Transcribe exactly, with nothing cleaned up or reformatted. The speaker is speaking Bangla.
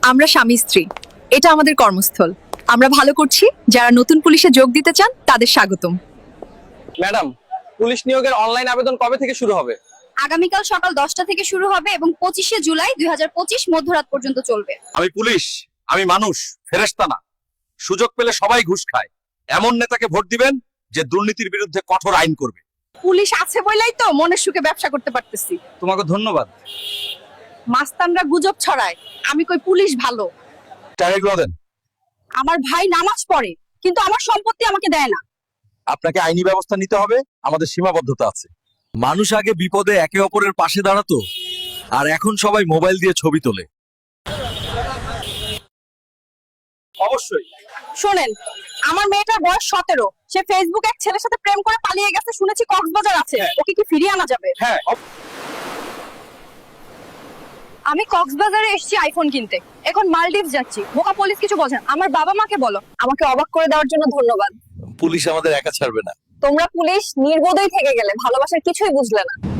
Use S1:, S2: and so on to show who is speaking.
S1: আমরা স্বামী স্ত্রী, এটা আমাদের কর্মস্থল। আমরা ভালো করছি, যারা নতুন পুলিশে যোগ দিতে চান তাদের স্বাগতম।
S2: ম্যাডাম, পুলিশ নিয়োগের অনলাইন আবেদন কবে থেকে শুরু হবে?
S3: আগামীকাল সকাল দশটা থেকে শুরু হবে এবং পঁচিশে জুলাই দুই হাজার পঁচিশ মধ্যরাত পর্যন্ত চলবে।
S4: আমি পুলিশ, আমি মানুষ, ফেরেশতা না। সুযোগ পেলে সবাই ঘুষ খায়। এমন নেতাকে ভোট দিবেন যে দুর্নীতির বিরুদ্ধে কঠোর আইন করবে।
S1: পুলিশ আছে বলেই তো মনের সুখে ব্যবসা করতে পারতেছি।
S2: তোমাকে ধন্যবাদ।
S1: মাস্তানরা গুজব ছড়ায়, আমি কই পুলিশ ভালো।
S4: টাকাগুলো দেন।
S1: আমার ভাই নামাজ পড়ে, কিন্তু আমার সম্পত্তি আমাকে দেয় না।
S4: আপনাকে আইনি ব্যবস্থা নিতে হবে, আমাদের সীমাবদ্ধতা আছে। মানুষ আগে বিপদে একে অপরের পাশে দাঁড়াতো, আর এখন সবাই মোবাইল দিয়ে ছবি তোলে।
S2: অবশ্যই।
S1: শোনেন, আমার মেয়েটার বয়স সতেরো, সে ফেসবুক এক ছেলের সাথে প্রেম করে পালিয়ে গেছে, শুনেছি কক্সবাজার আছে। ওকে কি ফিরিয়ে আনা যাবে?
S2: হ্যাঁ,
S1: আমি কক্সবাজারে এসেছি আইফোন কিনতে, এখন মালদ্বীপ যাচ্ছি। বোকা পুলিশ কিছু বোঝেন, আমার বাবা মাকে বলো। আমাকে অবাক করে দেওয়ার জন্য ধন্যবাদ।
S4: পুলিশ আমাদের একা ছাড়বে না।
S1: তোমরা পুলিশ নির্বোধই থেকে গেলে, ভালোবাসার কিছুই বুঝলে না।